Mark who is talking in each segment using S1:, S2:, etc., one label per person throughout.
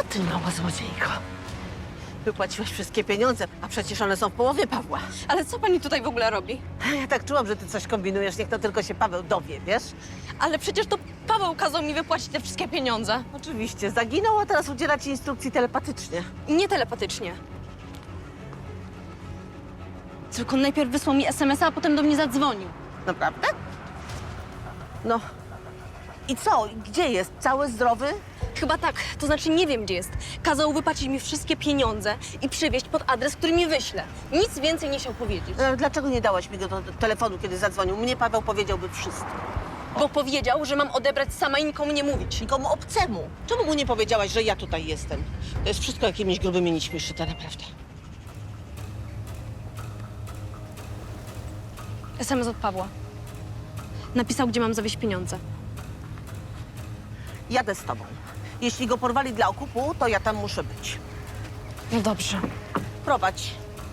S1: Ty mała złodziejko. Wypłaciłaś wszystkie pieniądze, a przecież one są w połowie Pawła.
S2: Ale co pani tutaj w ogóle robi?
S1: Ja tak czułam, że ty coś kombinujesz, niech to tylko się Paweł dowie, wiesz?
S2: Ale przecież to Paweł kazał mi wypłacić te wszystkie pieniądze.
S1: Oczywiście, zaginął, a teraz udziela ci instrukcji telepatycznie.
S2: Nie telepatycznie. Tylko najpierw wysłał mi SMS-a, a potem do mnie zadzwonił.
S1: Naprawdę? No. I co? Gdzie jest? Cały zdrowy?
S2: Chyba tak, to znaczy nie wiem, gdzie jest. Kazał wypłacić mi wszystkie pieniądze i przywieźć pod adres, który mi wyśle. Nic więcej nie chciał powiedzieć.
S1: Dlaczego nie dałaś mi go do telefonu, kiedy zadzwonił? Mnie Paweł powiedziałby wszystko.
S2: Bo powiedział, że mam odebrać sama i nikomu nie mówić.
S1: Nikomu obcemu. Czemu mu nie powiedziałaś, że ja tutaj jestem? To jest wszystko jakimiś grubymi nićmi szyte, naprawdę.
S2: SMS od Pawła. Napisał, gdzie mam zawieźć pieniądze.
S1: Jadę z tobą. Jeśli go porwali dla okupu, to ja tam muszę być.
S2: No dobrze.
S1: Prowadź.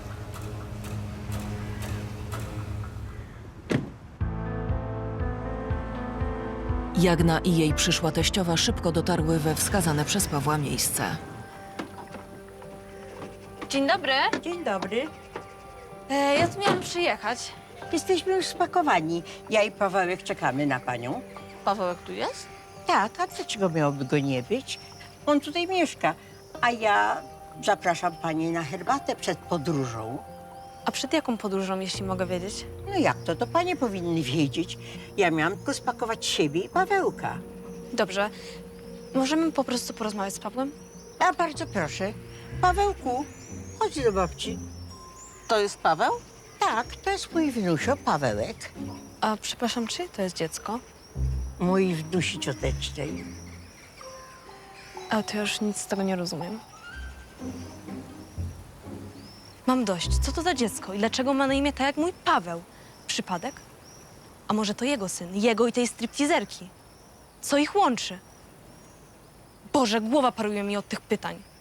S3: Jagna i jej przyszła teściowa szybko dotarły we wskazane przez Pawła miejsce.
S2: Dzień dobry.
S4: Dzień dobry.
S2: Ja tu miałam przyjechać.
S4: Jesteśmy już spakowani. Ja i Pawełek czekamy na panią.
S1: Pawełek tu jest?
S4: Tak, a dlaczego miałoby go nie być? On tutaj mieszka, a ja zapraszam pani na herbatę przed podróżą.
S2: A przed jaką podróżą, jeśli mogę wiedzieć?
S4: No jak to panie powinny wiedzieć. Ja miałam tylko spakować siebie i Pawełka.
S2: Dobrze. Możemy po prostu porozmawiać z Pawłem?
S4: A bardzo proszę. Pawełku, chodź do babci.
S1: To jest Paweł?
S4: Tak, to jest mój wnusio, Pawełek.
S2: A przepraszam, czyje to jest dziecko?
S4: Mój wnusi ciotecznej.
S2: A to już nic z tego nie rozumiem. Mam dość. Co to za dziecko i dlaczego ma na imię tak jak mój Paweł? Przypadek? A może to jego syn? Jego i tej striptizerki? Co ich łączy? Boże, głowa paruje mi od tych pytań.